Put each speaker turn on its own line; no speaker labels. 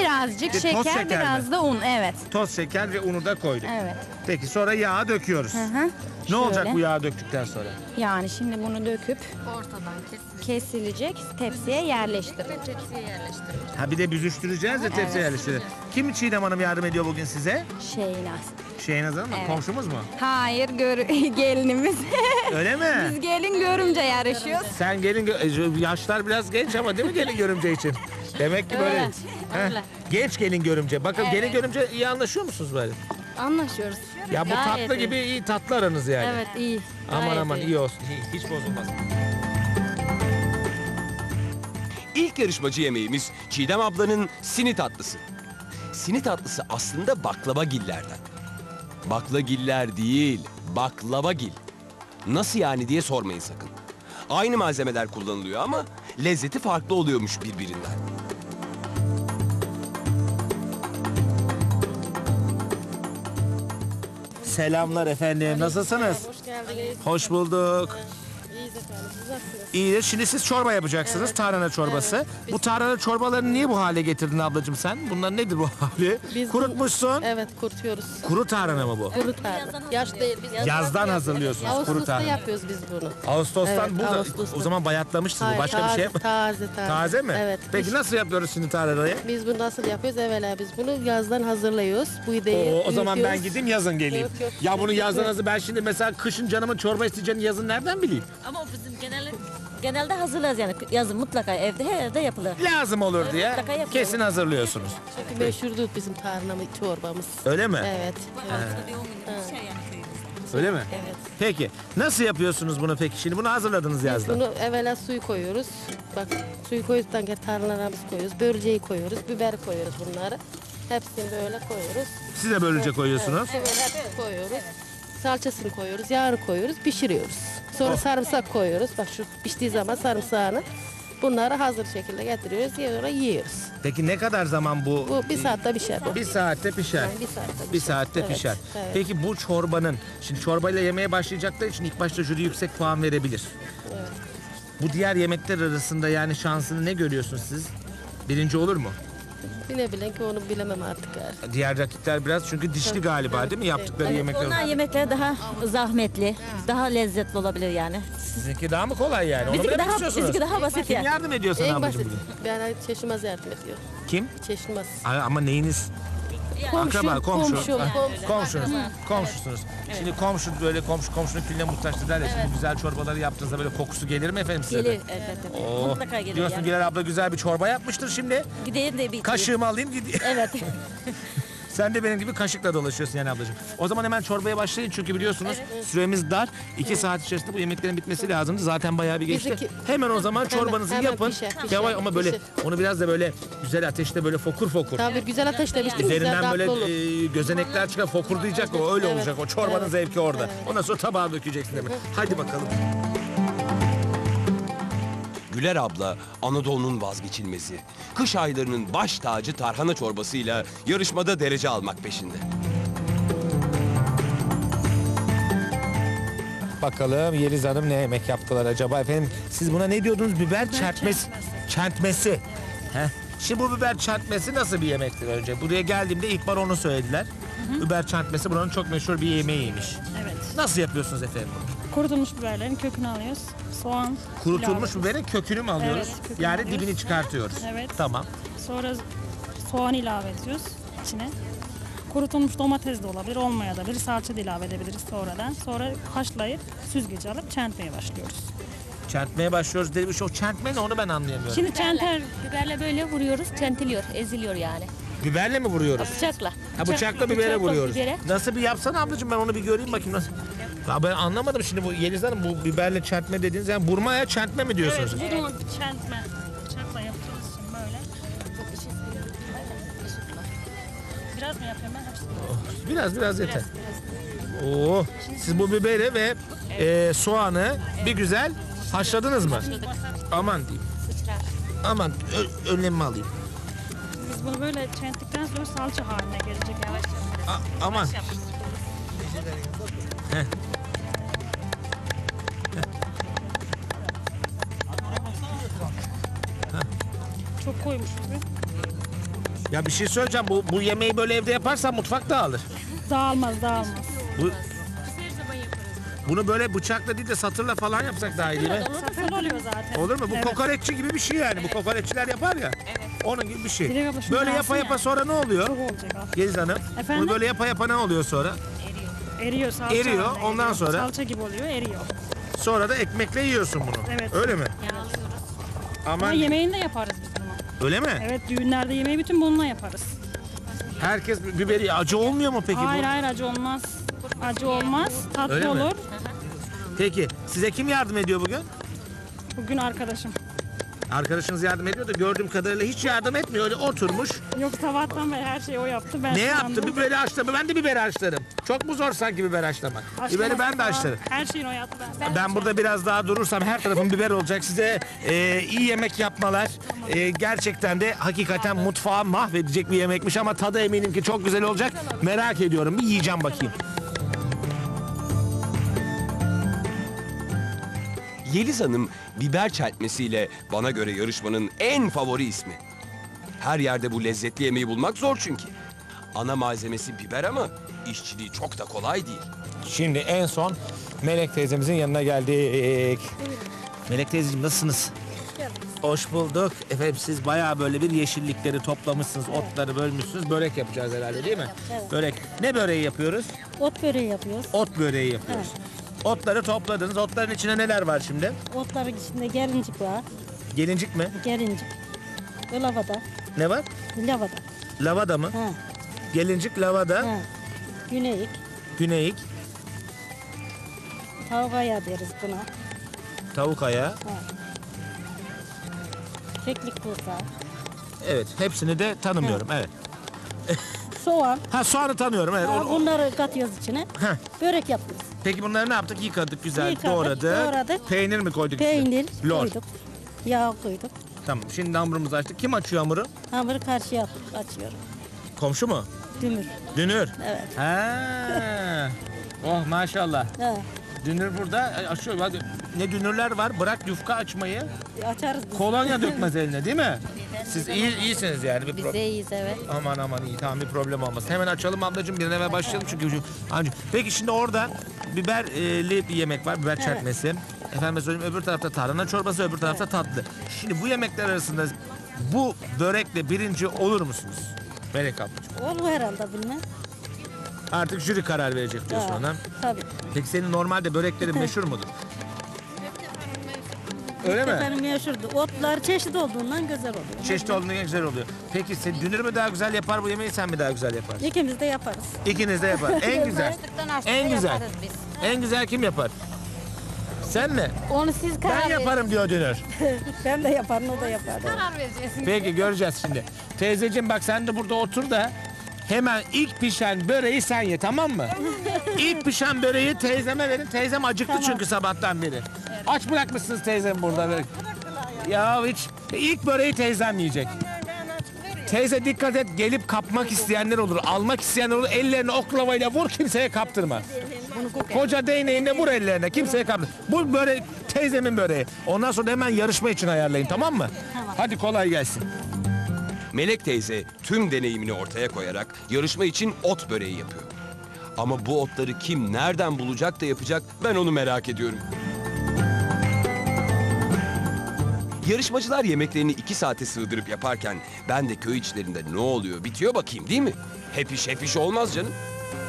Birazcık
toz
şeker,
şeker
biraz
mi?
da un. Evet.
Toz şeker ve unu da koyduk.
Evet.
Peki sonra yağı döküyoruz.
Hı.
Ne olacak
Şöyle.
bu yağı döktükten sonra?
Yani şimdi bunu döküp
Ortadan
kesilecek, tepsiye yerleştirilecek.
tepsiye yerleştirilir.
Ha bir de büzüştüreceğiz de tepsiye yerleştirelim. Kim Çiğdem Hanım yardım ediyor bugün size?
Şeynaz.
Şeynaz Hanım mı?
Evet.
Komşumuz mu?
Hayır, gelinimiz.
Öyle mi?
Biz gelin görümce yarışıyoruz.
Sen gelin yaşlar biraz genç ama değil mi gelin görümce için? Demek ki böyle.
Öyle,
Heh,
öyle.
Genç gelin görümce. Bakın gelin görümce iyi anlaşıyor musunuz böyle?
Anlaşıyoruz.
Ya bu
Gayet
tatlı
iyi.
gibi iyi tatlı aranız yani.
Evet iyi.
Aman
Gayet
aman iyi olsun. İyi, hiç bozulmaz.
İlk yarışmacı yemeğimiz Çiğdem ablanın sini tatlısı. Sini tatlısı aslında baklavagillerden. Baklagiller değil, baklavagil. Nasıl yani diye sormayın sakın. Aynı malzemeler kullanılıyor ama lezzeti farklı oluyormuş birbirinden.
Selamlar efendim. Nasılsınız?
Hoş geldiniz.
Hoş bulduk.
İyiyiz efendim. Siz nasılsınız?
İyidir. Şimdi siz çorba yapacaksınız. Tarhana çorbası. Bu tarhana çorbalarını niye bu hale getirdin ablacığım sen? Bunlar nedir bu hali?
Biz
Kurutmuşsun.
Evet kurutuyoruz.
Kuru tarhana mı bu?
Kuru tarla. Yaş değil. Biz
Yazdan hazırlıyorsunuz kuru
Ağustos'ta
tarhana.
yapıyoruz biz bunu.
Ağustos'tan
Evet,
bu da
Ağustos'ta.
o zaman bayatlamıştır bu.
Hayır,
Başka bir şey mi?
Taze.
Taze mi?
Evet.
Peki nasıl yapıyoruz şimdi tarhanayı?
Biz bunu nasıl yapıyoruz? Evvela biz bunu yazdan hazırlıyoruz. Bu ideyi
O zaman ben
büyütüyoruz.
gideyim yazın geleyim.
Yok.
Ya bunu yazdan hazır. Ben şimdi mesela kışın canımın çorba isteyeceğini yazın nereden bileyim?
Ama o bizim genelde hazırlarız yani yazın mutlaka evde her evde yapılır.
Lazım olur diye
mutlaka yapıyorum.
kesin hazırlıyorsunuz.
Çünkü meşhurdur bizim tarhana çorbamız.
Öyle mi?
Evet.
Haftada bir 10 gün bir şey yani köyümüzde.
Öyle mi?
Evet.
Peki nasıl yapıyorsunuz bunu peki? Şimdi bunu hazırladınız yazdan.
Bunu evvela suyu koyuyoruz. Bak suyu koyduktan sonra tarhanalarımızı koyuyoruz. Börülceyi koyuyoruz. Biber koyuyoruz bunları. Hepsini böyle koyuyoruz.
Siz de böylece koyuyorsunuz.
Evet, böyle hepsini koyuyoruz. Salçasını koyuyoruz, yağını koyuyoruz, pişiriyoruz. Sonra sarımsak koyuyoruz. Bak şu piştiği zaman sarımsağını bunları hazır şekilde getiriyoruz, yiyoruz.
Peki ne kadar zaman bu?
Bu bir saatte pişer bu.
Bir saatte pişer.
Yani bir saatte pişer.
Bir saatte
Evet,
pişer.
evet.
Peki bu çorbanın, şimdi çorbayla yemeye başlayacakları için ilk başta jüri yüksek puan verebilir.
Evet.
Bu diğer yemekler arasında yani şansını ne görüyorsunuz siz? Birinci olur mu?
Bile ki onu bilemem artık. Yani.
Diğer rakipler biraz çünkü dişli galiba değil mi yaptıkları yemekler?
Onlar yemekleri daha zahmetli, daha lezzetli olabilir yani.
Sizinki daha mı kolay yani? Onu mu
Bizimki
demek
daha,
istiyorsunuz?
bizimki daha basit
Kim
yani.
yardım ediyor sana
En
ablacığım
basit.
bugün?
Yani Çeşmez yardım ediyor.
Kim?
Çeşmez.
Ama neyiniz?
Komşu,
Akraba, komşu.
komşu.
Ah,
komşu.
Komşunuz. Komşusunuz. Şimdi komşu böyle komşunun külüne muhtaçtır derler. Şimdi güzel çorbaları yaptığınızda böyle kokusu gelir mi efendim size de?
Gelir elbette.
Oo,
Mutlaka gelir
diyorsun
yani.
Güler abla güzel bir çorba yapmıştır şimdi.
Gideyim de bir
Kaşığımı alayım gideyim.
Evet.
Sen de benim gibi kaşıkla dolaşıyorsun yani ablacığım. O zaman hemen çorbaya başlayın çünkü biliyorsunuz süremiz dar. 2 saat içerisinde bu yemeklerin bitmesi lazımdı. Zaten bayağı bir geçti.
Bizimki-
Hemen o zaman çorbanızı
hemen
yapın.
pişer,
Yavaş ama böyle
pişer.
onu biraz da böyle güzel ateşte böyle fokur fokur.
Tabii güzel ateşte pişti mi güzel
Üzerinden böyle
tatlı olur.
gözenekler çıkar fokurdayacak o öyle
Evet.
olacak o çorbanın
Evet.
zevki orada.
Evet.
Ondan sonra tabağa dökeceksin hemen. Hadi bakalım.
Güler abla Anadolu'nun vazgeçilmezi. Kış aylarının baş tacı tarhana çorbasıyla yarışmada derece almak peşinde.
Bakalım Yeliz Hanım ne yemek yaptılar acaba efendim? Siz buna ne diyordunuz? Biber çertmesi. Çertmesi. Heh. Şimdi bu biber çertmesi nasıl bir yemektir önce? Buraya geldiğimde ilk bar onu söylediler. Biber çertmesi buranın çok meşhur bir yemeğiymiş.
Evet.
Nasıl yapıyorsunuz efendim bunu?
Kurutulmuş biberlerin kökünü alıyoruz. Soğan.
Kurutulmuş
ilave
biberin kökünü mü alıyoruz?
Evet, kökünü
Yani
alıyoruz.
dibini çıkartıyoruz.
Evet.
Tamam.
Sonra soğan ilave ediyoruz içine. Kurutulmuş domates de olabilir, olmayabilir. Salça da ilave edebiliriz sonradan. Sonra haşlayıp süzgece alıp çentmeye başlıyoruz.
Çertmeye başlıyoruz dedi. O çertme ne onu ben anlayamıyorum.
Şimdi çenter
Biberle böyle vuruyoruz, çentiliyor, eziliyor yani.
Biberle mi vuruyoruz?
Bıçakla.
Ha bıçakla bibere
bıçakla
vuruyoruz.
bibere.
Nasıl bir yapsana ablacığım ben onu bir göreyim bakayım nasıl. Ya ben anlamadım şimdi bu Yeliz Hanım bu biberle çertme dediğiniz yani burma ya çertme mi diyorsunuz?
evet, bunu çentme. Bıçakla yapacağız şimdi böyle. Biraz mı yapayım ben hepsini?
Biraz yeter. Oo, siz bu biberi ve soğanı bir güzel haşladınız mı? Aman diyeyim. Aman önlemimi alayım.
Biz bunu böyle çenttikten sonra salça haline gelecek yavaş yavaş.
Aman. Heh.
Çok koymuşuz biz.
Ya bir şey söyleyeceğim. Bu yemeği böyle evde yaparsan mutfak dağılır.
Dağılmaz.
Bu, bunu böyle bıçakla değil de satırla falan yapsak daha iyi değil mi?
Satın oluyor zaten.
Olur mu? Bu
Evet.
kokoreççi gibi bir şey yani. Bu kokoreççiler yapar ya. Onun gibi bir şey.
Dilek abla şunu
Böyle
alsın
yapa yapa
ya.
sonra ne oluyor?
Çok olacak al.
Geliz Hanım.
Efendim?
Bunu böyle yapa yapa ne oluyor sonra?
Eriyor salça.
Eriyor,
haline
ondan
geliyor.
sonra?
Salça gibi oluyor, eriyor.
Sonra da ekmekle yiyorsun bunu.
Evet.
Öyle mi?
Ama
Aman
yemeğini de yaparız biz bunu.
öyle mi?
Evet, düğünlerde yemeği bütün bununla yaparız.
Herkes biberi acı olmuyor mu peki
Hayır
bu?
hayır, acı olmaz. Acı olmaz, tatlı
Öyle mi?
olur.
Peki size kim yardım ediyor bugün?
Bugün arkadaşım.
Arkadaşınız yardım ediyor da gördüğüm kadarıyla hiç yardım etmiyor. Öyle oturmuş.
Yok, sabahtan beri her şeyi o yaptı. Ben
Ne yaptı?
sandım.
Biberi haşladı. Ben de biber haşlarım. Çok mu zor sanki biber haşlamak? Biberi ben de
falan.
haşlarım.
Her şeyini o yaptı.
Ben burada biraz daha durursam her tarafım biber olacak. Size iyi yemek yapmalar. Gerçekten de hakikaten mutfağı mahvedecek bir yemekmiş ama tadı eminim ki çok güzel olacak. Merak ediyorum. Bir yiyeceğim bakayım.
Yeliz Hanım biber çeltmesiyle bana göre yarışmanın en favori ismi. Her yerde bu lezzetli yemeği bulmak zor çünkü. Ana malzemesi biber ama işçiliği çok da kolay değil.
Şimdi en son Melek teyzemizin yanına geldik. Melek teyzeciğim nasılsınız? Hoş bulduk. Efendim siz bayağı böyle bir yeşillikleri toplamışsınız, otları bölmüşsünüz. Börek yapacağız herhalde değil mi?
Evet.
Börek. Ne böreği yapıyoruz?
Ot böreği yapıyoruz.
Ot böreği yapıyoruz. Otları topladınız. Otların içine neler var şimdi?
Otların içinde gelincik var.
Gelincik mi?
Gelincik. Ve lavada.
Ne var?
Lavada.
Lavada mı?
Ha.
Gelincik, lavada,
Ha. Güneyik.
güneyik,
Tavuk ayağı deriz buna.
tavuk ayağı.
Keklik kursağı.
Evet, hepsini de tanımıyorum. Evet.
Soğan.
Ha soğanı tanıyorum. Evet.
Ha, bunları katıyoruz içine.
Heh.
Börek yapıyoruz.
Peki bunları ne yaptık? Yıkadık, güzel
Yıkadık,
doğradık.
doğradık.
Peynir mi koyduk? içine?
Peynir
Lor.
koyduk. Yağ koyduk.
Tamam. Şimdi hamurumuzu açtık. Kim açıyor hamuru?
Hamuru karşıya açıyorum.
Komşu mu?
Dümür.
Dünür.
Evet.
Ha. Oh maşallah.
Ha.
Dünür burada açıyor. Hadi. Ne dünürler var? Bırak yufka açmayı.
Açarız biz.
Kolonya dökmez eline değil mi? Siz iyisiniz yani. Bir
Biz de iyiyiz, evet.
Aman iyi, tamam, bir problem olmaz. Hemen açalım ablacığım, bir an evvel başlayalım çünkü peki şimdi orada biberli bir yemek var, biber çertmesi. Efendim söyleyeyim, öbür tarafta tarhana çorbası, öbür tarafta tatlı. Şimdi bu yemekler arasında bu börekle birinci olur musunuz? Melek ablacığım.
Olur herhalde bilmem.
Artık jüri karar verecek diyorsun
Ha,
ona.
Tabii.
Peki senin normalde böreklerin meşhur mudur? Öyle mi?
Efendim meşhurdu. Otlar çeşit olduğundan güzel oluyor.
Çeşitli olduğunda güzel oluyor. Peki sen dünür mü daha güzel yapar bu yemeği, sen mi daha güzel yaparsın?
İkimiz de yaparız.
İkiniz de yapar. En güzel. En güzel. En güzel kim yapar? Sen mi?
Onu siz karar
Ben
verin.
yaparım diyor Dünür.
Ben de yaparım, o da yapar.
Karar vereceğiz.
Peki göreceğiz şimdi. Teyzeciğim bak sen de burada otur da hemen ilk pişen böreği sen ye, tamam mı? İlk pişen böreği teyzeme verin. Teyzem acıktı çünkü sabahtan beri. Aç bırakmışsınız teyzem burada. Böyle. Ya hiç ilk böreği teyzem yiyecek. Teyze dikkat et, gelip kapmak isteyenler olur, almak isteyenler olur. Ellerini oklavayla vur, kimseye kaptırma. Koca değneğinle vur ellerine, kimseye kaptırma. Bu börek teyzemin böreği. Ondan sonra hemen yarışma için ayarlayın, tamam mı? Hadi kolay gelsin.
Melek teyze tüm deneyimini ortaya koyarak yarışma için ot böreği yapıyor. Ama bu otları kim nereden bulacak da yapacak, ben onu merak ediyorum. Yarışmacılar yemeklerini 2 saate sığdırıp yaparken ben de köy içlerinde ne oluyor bitiyor bakayım, değil mi? Hep iş olmaz canım.